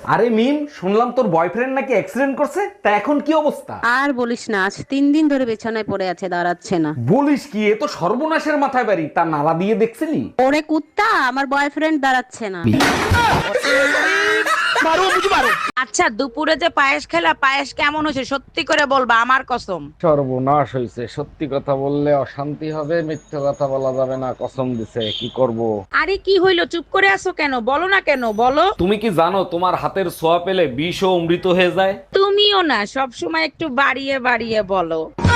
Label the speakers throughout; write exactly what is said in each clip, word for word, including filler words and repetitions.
Speaker 1: আরে মিম, শুনলাম তোর বয়ফ্রেন্ড নাকি অ্যাক্সিডেন্ট করছে, তা এখন কি অবস্থা?
Speaker 2: আর বলিস না, আজ তিন দিন ধরে বিছানায় পড়ে আছে, দাঁড়াচ্ছে না।
Speaker 1: বলিস কি, এ তো সর্বনাশের মাথায় বাড়ি। তা নালা দিয়ে দেখছিলি?
Speaker 2: ওরে কুত্তা, আমার বয়ফ্রেন্ড দাঁড়াচ্ছে না।
Speaker 3: আচ্ছা, দুপুরে যে পায়েস খেলা, পায়েস কেমন হয়েছে সত্যি করে বলবা, আমার কসম।
Speaker 1: সর্বনাশ হয়েছে। সত্যি কথা বললে অশান্তি হবে, মিথ্যে কথা বলা যাবে না, কসম দিছে। কি করব?
Speaker 3: আরে কি হইলো, চুপ করে আছো কেন? বলো না কেন, বলো।
Speaker 1: তুমি কি জানো তোমার হাতের ছোঁয়া পেলে বিষও অমৃত হয়ে যায়?
Speaker 3: তুমিও না সব সময় একটু বাড়িয়ে বাড়িয়ে বলো।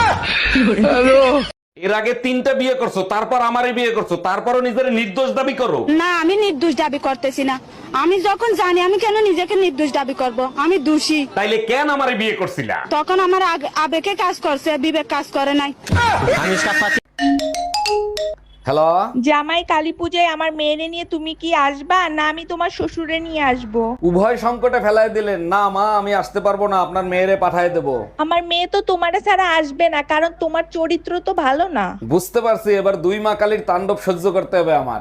Speaker 1: এর আগে তিনটা বিয়ে করছো, তারপর আমারে বিয়ে করছো, তারপরও নিজের নির্দোষ দাবি করো।
Speaker 4: না, আমি নির্দোষ দাবি করতেছি না। আমি যখন জানি, আমি কেন নিজেকে নির্দোষ দাবি করব? আমি দোষী।
Speaker 1: তাইলে কেন আমারে বিয়ে করছিলা?
Speaker 4: তখন আমার আগ- আবেগে কাজ করছে, বিবেক কাজ করে নাই।
Speaker 1: হ্যালো,
Speaker 5: জামাই কালী পূজায় আমার মেয়েরে নিয়ে তুমি কি আসবা, না আমি তোমার শ্বশুরে নিয়ে আসবো?
Speaker 1: উভয় সংকটে ফেলাই দিলেন। না মা, আমি আসতে পারবো না, আপনার মেয়েরে পাঠায় দেবো।
Speaker 5: আমার মেয়ে তো তোমারে ছাড়া আসবে না, কারণ তোমার চরিত্র তো ভালো না।
Speaker 1: বুঝতে পারছি, এবার দুই মা কালীর তাণ্ডব সহ্য করতে হবে আমার।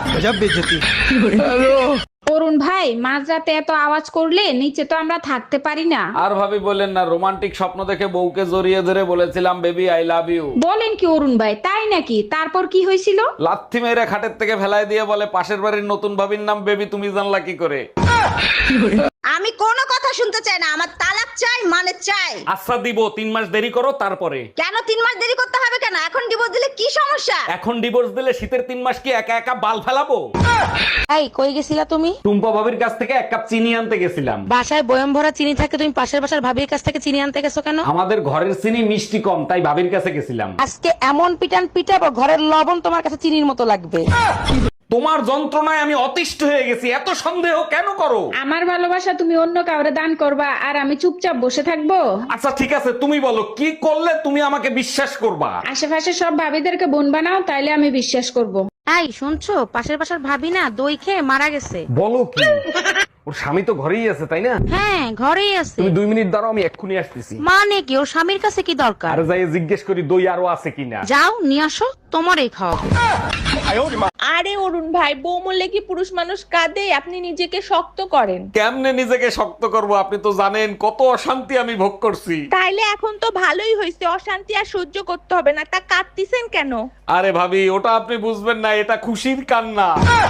Speaker 6: অরুণ ভাই, মাঝরাতে এত আওয়াজ করলে নিচে তো আমরা থাকতে পারি না।
Speaker 1: আর ভাবি বলেন না, রোমান্টিক স্বপ্ন দেখে বউকে জড়িয়ে ধরে বলেছিলাম বেবি আই লাভ ইউ।
Speaker 6: বলেন কি অরুণ ভাই, তাই নাকি? তারপর কি হয়েছিল?
Speaker 1: লাথি মেরে খাটের থেকে ফেলাই দিয়ে বলে পাশের বাড়ির নতুন ভাবির নাম বেবি, তুমি জানলা কি করে?
Speaker 7: আমি কোনো কথা শুনতে চাই না, আমার তালাক চাই, মানে চাই।
Speaker 1: আচ্ছা দিব, তিন মাস দেরি করো তারপরে।
Speaker 7: কেন তিন মাস দেরি করতে হবে কেন? এখন ডিভোর্স দিলে কি সমস্যা?
Speaker 1: এখন ডিভোর্স দিলে শীতের তিন মাস কি একা একা বাল ফেলাবো?
Speaker 3: এই কই গেছিলা তুমি?
Speaker 1: টুম্পা ভাবির কাছ থেকে এক কাপ চিনি আনতে গেছিলাম।
Speaker 3: বাসায় বয়ম ভরা চিনি থাকে, তুমি পাশের বাসার ভাবির কাছ থেকে চিনি আনতে গেছো কেন?
Speaker 1: আমাদের ঘরের চিনি মিষ্টি কম, তাই ভাবির কাছে গেছিলাম।
Speaker 3: আজকে এমন পিটান পিটাবো, ঘরের লবণ তোমার কাছে চিনির মতো লাগবে।
Speaker 1: তোমার যন্ত্রণায় আমি অতিষ্ঠ হয়ে গেছি, এত সন্দেহ কেন করো?
Speaker 6: আমার ভালোবাসা তুমি অন্য কাউরে দান করবা আর আমি চুপচাপ বসে থাকবো?
Speaker 1: আচ্ছা ঠিক আছে, তুমি বলো কি করলে তুমি আমাকে বিশ্বাস করবা?
Speaker 6: আশেপাশে সব ভাবিদেরকে বোন বানাও, তাইলে আমি বিশ্বাস করব।
Speaker 3: এই শুনছো, পাশের বাসার ভাবি না দই খেয়ে মারা গেছে।
Speaker 1: বলো কি? ওর স্বামী তো ঘরেই আছে, তাই না?
Speaker 3: হ্যাঁ, ঘরেই আছে।
Speaker 1: তুমি দুই মিনিট দাঁড়াও, আমি এক্ষুনি আসতেছি।
Speaker 3: মানে কি, ওর স্বামীর কাছে কি দরকার?
Speaker 1: আর যাই জিজ্ঞেস করি দই আরো আছে কিনা।
Speaker 3: যাও নিয়ে আসো, তোমারই খাওয়াবো।
Speaker 5: আরে অরুণ ভাই, বউ মরলে কি পুরুষ মানুষ কাঁদে? আপনি নিজেকে শক্ত করেন।
Speaker 1: কেমনে নিজেকে শক্ত করব? আপনি তো জানেন কত অশান্তি আমি ভোগ করছি।
Speaker 5: তাইলে এখন তো ভালোই হয়েছে, অশান্তি আর সহ্য করতে হবে না। তা কাঁদতিছেন কেন?
Speaker 1: আরে ভাবি, ওটা আপনি বুঝবেন না, এটা খুশির কান্না।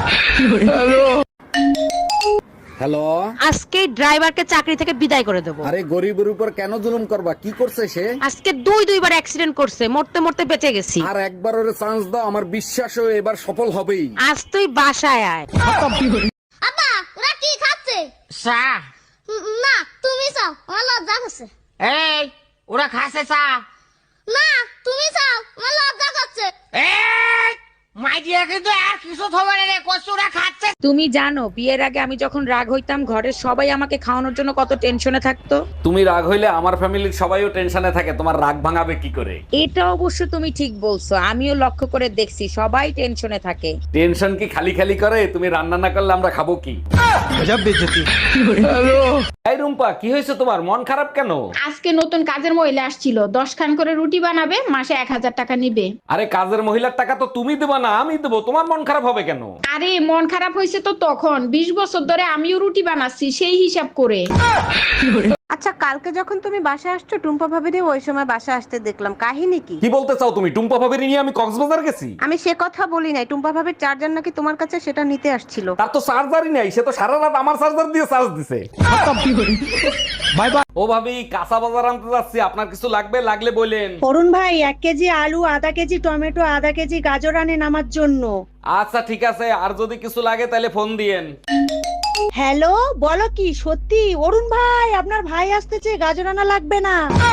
Speaker 1: হ্যালো,
Speaker 3: আজকে ড্রাইভারকে চাকরি থেকে বিদায় করে দেবো।
Speaker 1: আরে গরিবের উপর কেন জুলুম করবা? কি করছে সে?
Speaker 3: আজকে দুই দুইবার অ্যাক্সিডেন্ট করছে, মরতে মরতে বেঁচে গেছি।
Speaker 1: আর একবার ওরে চান্স দাও, আমার বিশ্বাস ও এবার সফল হবেই।
Speaker 3: আজ তুই বাসায় আয়।
Speaker 7: আব্বা, ওরা কি খাচ্ছে?
Speaker 8: চা।
Speaker 7: উম, না, তুমি চাও, আমার লজ্জা করছে।
Speaker 8: এই, ওরা খাসে চা।
Speaker 7: না, তুমি চাও, আমার লজ্জা করছে।
Speaker 8: এই, মাইডিয়া কিন্তু আর কিছু থবে না রে, কচুরা খাচ্ছে।
Speaker 3: তুমি জানো, বিয়ের আগে আমি যখন রাগ হইতাম, ঘরের সবাই আমাকে খাওয়ানোর জন্য কত টেনশনে থাকতো।
Speaker 1: তুমি রাগ হইলে আমার ফ্যামিলির সবাইও টেনশনে থাকে, তোমার রাগ ভাঙাবে কি করে?
Speaker 3: এটা অবশ্য তুমি ঠিক বলছো, আমিও লক্ষ্য করে দেখছি সবাই টেনশনে থাকে।
Speaker 1: টেনশন কি খালি খালি করে? তুমি রান্না না করলে আমরা খাবো কি? এই রুম্পা, কি হয়েছে তোমার? মন খারাপ কেন?
Speaker 6: আজকে নতুন কাজের মহিলা আসছিল, দশ খান করে রুটি বানাবে, মাসে এক হাজার টাকা নিবে।
Speaker 1: আরে কাজের মহিলার টাকা তো তুমি দেবা না, আমি দেবো। তোমার মন খারাপ হবে কেন?
Speaker 6: আরে মন খারাপ হয়েছে তো তখন, বিশ বছর ধরে আমিও রুটি বানাচ্ছি, সেই হিসাব করে।
Speaker 2: আচ্ছা, কালকে যখন তুমি বাসা আসছো, টুম্পা ভাবিরে ওই সময় বাসা আসতে দেখলাম, কাহিনী কি?
Speaker 1: কি বলতে চাও তুমি? টুম্পা ভাবির নিয়ে আমি কক্সবাজার গেছি?
Speaker 2: আমি সে কথা বলি নাই, টুম্পা ভাবির চার্জার নাকি তোমার কাছে, সেটা নিতে আসছিল।
Speaker 1: তার তো চার্জারই নাই, সে তো সারা রাত আমার চার্জার দিয়ে চার্জ দিছে। Bye bye. ও ভাবি, কাঁচা বাজার আনতে যাচ্ছি, আপনার কিছু লাগবে? লাগলে বলেন।
Speaker 4: অরুণ ভাই, এক কেজি আলু, আধা কেজি টমেটো, আধা কেজি গাজর আনেন আমার জন্য।
Speaker 1: আচ্ছা ঠিক আছে, আর যদি কিছু লাগে তাহলে ফোন দিয়েন।
Speaker 4: হ্যালো, বলো কি সত্যি? অরুণ ভাই, আপনার ভাই আসতেছে, গাজর আনা লাগবে না।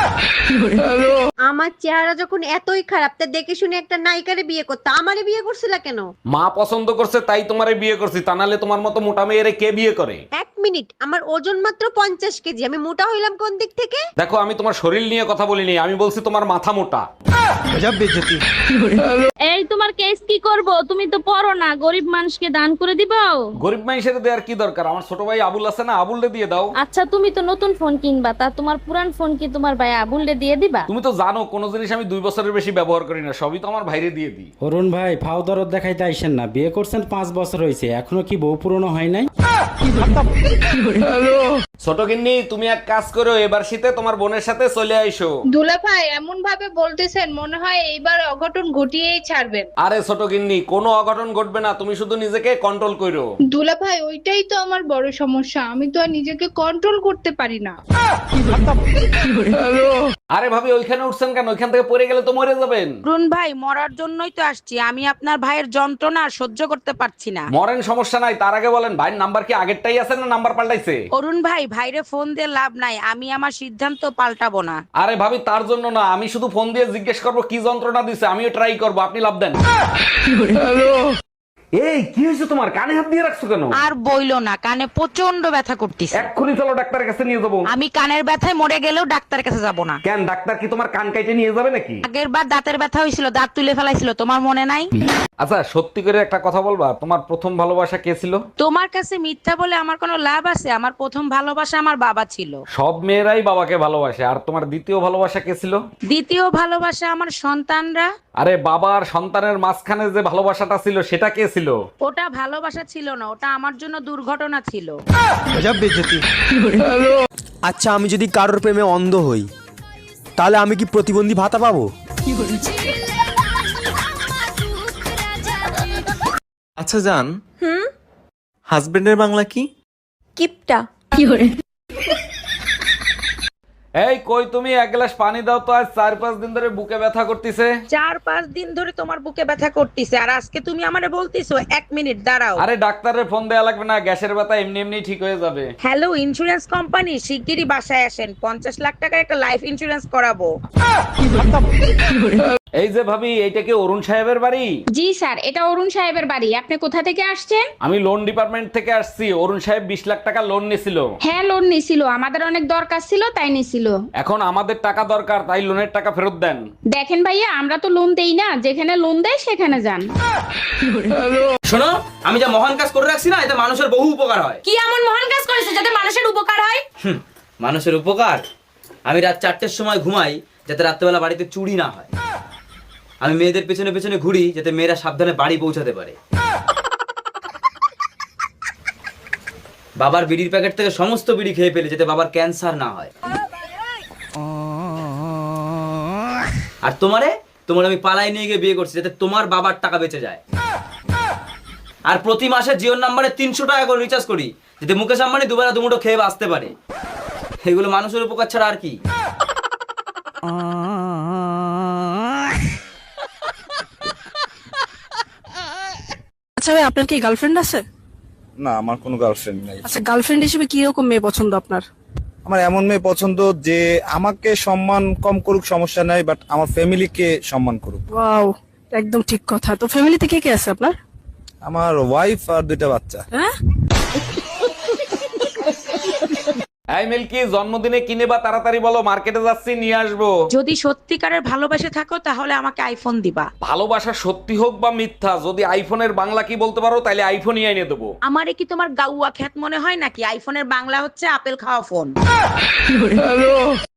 Speaker 2: আমার চেহারা যখন এতই খারাপ, তা দেখে শুনে একটা নায়িকারে বিয়ে করতে আমারে বিয়ে করছিলা কেন?
Speaker 1: মা পছন্দ করছে তাই তোমারে বিয়ে করছি, তা নাহলে তোমার মতো মোটা মেয়েরে কে বিয়ে করে?
Speaker 2: এক মিনিট, আমার ওজন মাত্র পঞ্চাশ কেজি, আমি মোটা হইলাম কোন দিক থেকে?
Speaker 1: দেখো, আমি তোমার শরীর নিয়ে কথা বলিনি, আমি বলছি তোমার মাথা মোটা।
Speaker 9: এই তোমার কেস কি করব? তুমি তো পড়ো না, গরিব মানুষকে দান করে দিবাও।
Speaker 1: গরিব মানুষের দেওয়ার কি দরকার? আমার ছোট ভাই আবুল আছে না, আবুলরে দিয়ে দাও।
Speaker 9: আচ্ছা তুমি তো নতুন ফোন কিনবা, তা তোমার পুরান ফোন কি তোমার ভাই আবুলরে দিয়ে দিবা?
Speaker 1: তুমি তো জানো কোনো জিনিস আমি দুই বছরের বেশি ব্যবহার করি না, সবই তো আমার ভাইরে দিয়ে দিই।
Speaker 10: অরুণ ভাই ফাও দরদ দেখাইতে আইসেন না, বিয়ে করছেন পাঁচ বছর হয়েছে এখনো কি বউ পুরনো হয় নাই?
Speaker 1: ছোট গিন্নি, তুমি এক কাজ করো, এবার শীতে তোমার বোনের সাথে চলে আইসো।
Speaker 6: দুলা ভাই এমন ভাবে বলতেছেন মনে হয় এইবার অঘটন ঘটিয়েই ছাড়বেন।
Speaker 1: আরে ছোট গিন্নি, কোনো অঘটন ঘটবে না, তুমি শুধু নিজেকে কন্ট্রোল করো।
Speaker 6: দুলা ভাই ওইটাই তো আমার বড় সমস্যা, আমি তো আর নিজেকে কন্ট্রোল করতে পারি না।
Speaker 1: আরে ভাবি ওইখানে উঠছেন কেন? ওইখান থেকে পড়ে গেলে তো মরে যাবেন।
Speaker 3: অরুণ ভাই মরার জন্যই তো আসছি, আমি আপনার ভাইয়ের যন্ত্রণা আর সহ্য করতে পারছি না।
Speaker 1: মরেন, সমস্যা নাই, তার আগে বলেন ভাইয়ের নাম্বার কি আগেরটাই আছে না নাম্বার পাল্টাইছে?
Speaker 3: অরুণ ভাই ভাইরে ফোন দিয়ে লাভ নাই, আমি আমার সিদ্ধান্ত পাল্টাবো না।
Speaker 1: আরে ভাবি তার জন্য না, আমি শুধু ফোন দিয়ে জিজ্ঞেস করবো কি যন্ত্রণা দিছে, আমিও ট্রাই করবো, আপনি লাভ দেন। এই কি হয়েছে তোমার? কানে হাত দিয়ে রাখছো কেন?
Speaker 3: আর বইলো না, কানে প্রচন্ড ব্যথা করতেছে।
Speaker 1: এক্ষুনি চলো ডাক্তারের কাছে নিয়ে যাবো।
Speaker 3: আমি কানের ব্যথায় মরে গেলেও ডাক্তারের কাছে যাব না।
Speaker 1: কেন, ডাক্তার কি তোমার কান কাইটে নিয়ে যাবে নাকি?
Speaker 3: আগের বার দাঁতের ব্যথা হয়েছিল, দাঁত তুলে ফেলাইছিল, তোমার মনে নাই?
Speaker 1: আচ্ছা সত্যি করে একটা কথা বলবা, তোমার প্রথম ভালোবাসা কে ছিল?
Speaker 3: তোমার কাছে মিথ্যা বলে আমার কোনো লাভ আছে? আমার প্রথম ভালোবাসা আমার বাবা ছিল।
Speaker 1: সব মেয়েরাই বাবাকে ভালোবাসে। আর তোমার দ্বিতীয় ভালোবাসা কে ছিল?
Speaker 3: দ্বিতীয় ভালোবাসা আমার সন্তানরা।
Speaker 1: আরে বাবা আর সন্তানের মাঝখানে যে ভালোবাসাটা ছিল সেটা কে ছিল?
Speaker 3: ওটা ভালোবাসা ছিল না, ওটা আমার জন্য দুর্ঘটনা ছিল।
Speaker 11: আচ্ছা আমি যদি কারোর প্রেমে অন্ধ হই তাহলে আমি কি প্রতিবন্ধী ভাতা পাবো?
Speaker 12: আচ্ছা জান, হুম হাজবেন্ডের বাংলা কি?
Speaker 5: কিপটা।
Speaker 1: এই কই তুমি, এক গ্লাস পানি দাও তো, আজ চার পাঁচ দিন ধরে বুকে ব্যথা করতেছে।
Speaker 3: চার পাঁচ দিন ধরে তোমার বুকে ব্যথা করতেছে, আর আজকে তুমি আমারে বলতিছো এক মিনিট দাঁড়াও।
Speaker 1: আরে ডাক্তারের ফোন দেয়া লাগবে না, গ্যাসের ব্যথা এমনি এমনি ঠিক হয়ে যাবে।
Speaker 3: হ্যালো ইন্স্যুরেন্স কোম্পানি, শিগগিরই বাসায় আসেন, পঞ্চাশ লাখ টাকার একটা লাইফ ইন্স্যুরেন্স করাবো।
Speaker 1: এই যে ভাবি, এইটা কি অরুণ সাহেবের বাড়ি?
Speaker 6: জি স্যার, এটা অরুণ সাহেবের বাড়ি। আপনি কোথা থেকে আসছেন?
Speaker 1: আমি লোন ডিপার্টমেন্ট থেকে আসছি। অরুণ সাহেব বিশ লাখ টাকা লোন নিছিল।
Speaker 6: হ্যাঁ লোন নিছিল, আমাদের অনেক দরকার ছিল তাই নিছিল।
Speaker 1: এখন আমাদের টাকা দরকার, তাই লোনের টাকা ফেরত দেন।
Speaker 6: দেখেন ভাইয়া, আমরা তো লোন দেই না, যেখানে লোন দেয় সেখানে যান।
Speaker 8: শোনো, আমি যা মহান কাজ করে রাখছি না, এতে মানুষের বহু উপকার হয়।
Speaker 5: কি এমন মহান কাজ করেছে যাতে মানুষের উপকার হয়?
Speaker 8: হুম, মানুষের উপকার? আমি রাত চারটের সময় ঘুমাই যাতে রাত্রেবেলা বাড়িতে চুরি না হয়। আমি মেয়েদের পেছনে পেছনে ঘুরি যাতে মেয়েরা সাবধানে বাড়ি পৌঁছাতে পারে। বাবার বিড়ির প্যাকেট থেকে সমস্ত বিড়ি খেয়ে ফেলে যাতে বাবার ক্যান্সার না হয়। আর তোমারে তোমার আমি পালাই নিয়ে গিয়ে বিয়ে করছি যাতে তোমার বাবার টাকা বেঁচে যায়। আর প্রতি মাসে জিওর নাম্বারে তিনশো টাকা করে রিচার্জ করি যাতে মুকেশ আম্বানি দুবেলা দুমুঠো খেয়ে বাঁচতে পারে। এগুলো মানুষের উপকার ছাড়া আর কি?
Speaker 9: আচ্ছা ভাই, আপনার কি গার্লফ্রেন্ড আছে?
Speaker 11: না আমার কোনো গার্লফ্রেন্ড নাই।
Speaker 9: আচ্ছা গার্লফ্রেন্ড হিসেবে কি রকম মেয়ে পছন্দ আপনার?
Speaker 11: আমার এমন মেয়ে পছন্দ যে আমাকে সম্মান কম করুক সমস্যা নাই, বাট আমার ফ্যামিলিকে সম্মান করুক।
Speaker 9: ওয়াও, একদম ঠিক কথা। তো ফ্যামিলিতে কে কে আছে আপনার?
Speaker 11: আমার ওয়াইফ আর দুইটা বাচ্চা।
Speaker 9: হ্যাঁ
Speaker 1: এই মিল্কি, জন্মদিনে কিনে বা তাড়াতাড়ি বলো, মার্কেটে যাচ্ছি, নিয়ে আসবো।
Speaker 3: যদি সত্যিকারের ভালোবাসে থাকো তাহলে আমাকে আইফোন দিবা।
Speaker 1: ভালোবাসা সত্যি হোক বা মিথ্যা, যদি আইফোনের বাংলা কি বলতে পারো তাহলে আইফোনই এনে দেবো।
Speaker 3: আমারে কি তোমার গাউয়া খ্যাত মনে হয় নাকি? আইফোনের বাংলা হচ্ছে আপেল খাওয়া ফোন।